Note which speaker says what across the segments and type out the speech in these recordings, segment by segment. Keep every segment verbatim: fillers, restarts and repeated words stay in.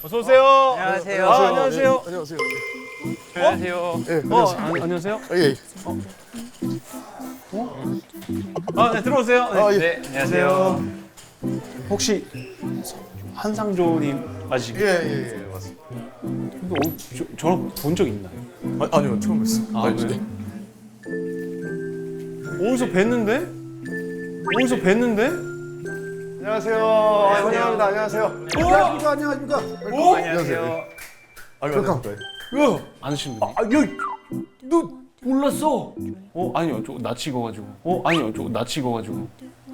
Speaker 1: 어서 오세요.
Speaker 2: 안녕하세요.
Speaker 1: 아, 안녕하세요.
Speaker 3: 안녕하세요.
Speaker 2: 안녕하세요.
Speaker 3: 예,
Speaker 1: 어,
Speaker 3: 안녕하세요.
Speaker 1: 안, 안녕하세요.
Speaker 3: 예.
Speaker 1: 아, 네, 들어오세요. 네.
Speaker 3: 아, 예.
Speaker 2: 네, 안녕하세요.
Speaker 1: 혹시 한상조님 맞으시죠?
Speaker 3: 예, 예, 예, 맞습니다.
Speaker 1: 근데 어, 저, 저랑 본 적 있나요?
Speaker 3: 아, 아니요, 처음 뵀어요.
Speaker 1: 아, 그래요? 어디서 뵀는데? 어디서 뵀는데?
Speaker 3: 안녕하세요. 환영합니다. 안녕하세요. 안녕하십니까, 안녕하십니까.
Speaker 1: 오!
Speaker 2: 안녕하세요.
Speaker 3: 아, 반갑습니다.
Speaker 1: 야! 아시는 분이?
Speaker 2: 아, 야, 너 몰랐어?
Speaker 1: 어, 아니요. 저 낯이 익어가지고. 어, 아니요. 저 낯이 익어가지고.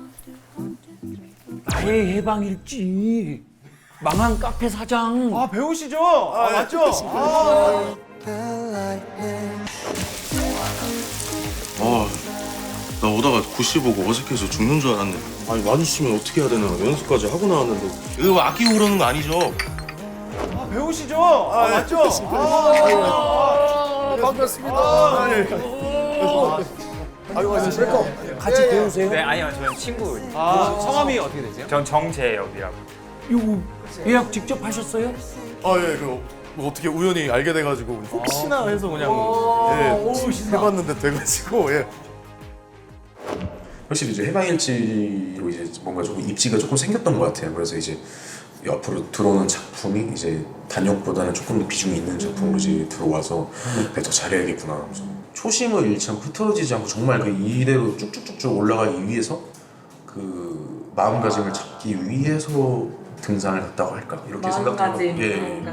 Speaker 2: 나의 해방일지. 망한 카페 사장.
Speaker 1: 아, 배우시죠? 아, 맞죠? 아,
Speaker 4: 아, 나 오다가 구씨 보고 어색해서 죽는 줄 알았네. 아니 마주치면 어떻게 해야 되나 연습까지 하고 나왔는데 이거 아끼고 그러는 거 아니죠?
Speaker 1: 아, 배우시죠? 아, 맞죠? 아,
Speaker 3: 반갑습니다. 아, 예. 아이고, 안녕하세요.
Speaker 2: 같이 배우세요?
Speaker 5: 네, 아니요, 저는 친구.
Speaker 1: 아, 성함이 어떻게 되세요?
Speaker 5: 전 정재엽이라고.
Speaker 2: 이거 예약 직접 하셨어요?
Speaker 4: 아 예, 그 뭐 어떻게 우연히 알게 돼가지고 혹시나 해서 그냥
Speaker 2: 오,
Speaker 4: 예
Speaker 2: 신나.
Speaker 4: 해봤는데 돼가지고 예.
Speaker 6: 확실히 이제 해방일지로 이제 뭔가 조금 입지가 조금 생겼던 것 같아요. 그래서 이제 옆으로 들어오는 작품이 이제 단역보다는 조금 더 비중이 있는 작품으로 이제 들어와서 내가 더 잘해야겠구나. 그래서 초심을 잃지 않고 흐트러지지 않고 정말 그 이대로 쭉쭉쭉쭉 올라가기 위해서 그 마음가짐을 잡기 위해서 등산을 갔다고 할까 이렇게 생각하고 예.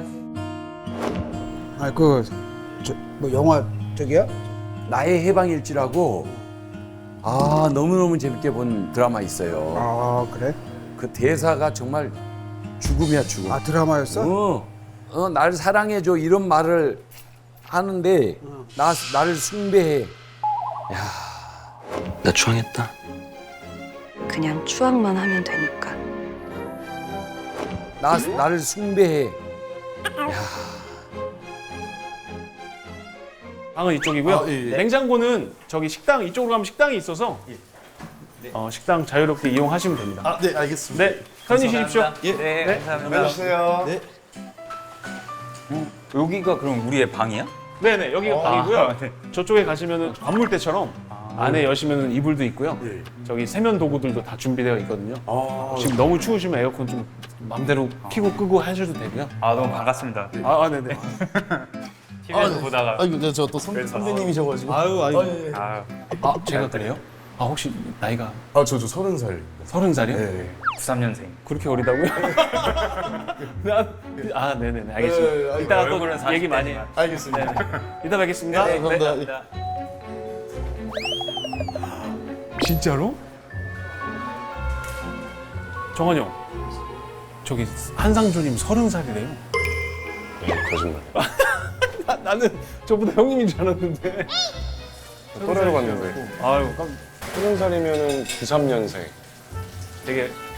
Speaker 7: 아, 그, 저, 뭐, 영화, 저기야?
Speaker 8: 나의 해방일지라고 아 너무너무 재밌게 본 드라마 있어요.
Speaker 7: 아, 그래?
Speaker 8: 그 대사가 정말 죽음이야 죽음.
Speaker 7: 아, 드라마였어?
Speaker 8: 어, 어, 나를 사랑해줘 이런 말을 하는데 나, 나를 숭배해.
Speaker 4: 나 추앙했다.
Speaker 9: 그냥 추앙만 하면 되니까.
Speaker 8: 나, 나를 숭배해.
Speaker 1: 방은 이쪽이고요.
Speaker 4: 아, 예, 예.
Speaker 1: 냉장고는 저기 식당 이쪽으로 가면 식당이 있어서 어, 식당 자유롭게 이용하시면 됩니다.
Speaker 4: 아, 네 알겠습니다.
Speaker 1: 네, 편히 쉬십시오.
Speaker 5: 예. 네, 감사합니다.
Speaker 3: 안녕하세요.
Speaker 4: 네.
Speaker 5: 여기가 그럼 우리의 방이야?
Speaker 1: 네네, 여기가 방이고요.
Speaker 5: 아, 네.
Speaker 1: 저쪽에 가시면은 관물대처럼 안에 여시면은 이불도 있고요.
Speaker 4: 예.
Speaker 1: 저기 세면 도구들도 다 준비되어 있거든요.
Speaker 4: 아,
Speaker 1: 지금 너무 추우시면 에어컨 좀 맘대로 켜고 끄고 하셔도 되고요.
Speaker 5: 아, 너무 반갑습니다.
Speaker 1: 아, 아 네네.
Speaker 5: 티비에서 보다가.
Speaker 4: 아 이거 저또 선배님이셔가지고. 아유 아유. 예.
Speaker 5: 아,
Speaker 1: 아, 제가 그래요? 아, 혹시 나이가
Speaker 4: 아 저 저 서른 살.
Speaker 1: 서른 살이요?
Speaker 4: 네.
Speaker 5: 구십삼 년생.
Speaker 1: 그렇게 어리다고요? 나- 아, 네네네, 알겠습니다.
Speaker 4: 네, 네,
Speaker 1: 이따가
Speaker 5: 얼굴은
Speaker 1: 또 얘기
Speaker 5: 사십
Speaker 1: 많이.
Speaker 5: 대지만.
Speaker 4: 알겠습니다.
Speaker 1: 이따 뵙겠습니다.
Speaker 4: 네, 감사합니다.
Speaker 1: 진짜로? 정환 형, 저기 한상조님 서른 살이래요.
Speaker 4: 거짓말.
Speaker 1: 나, 나는 저보다 형님인 줄 알았는데.
Speaker 10: 또래로 갔는데
Speaker 1: 아유, 깜-
Speaker 10: 서른 살이면은 구십삼 년생.
Speaker 1: 되게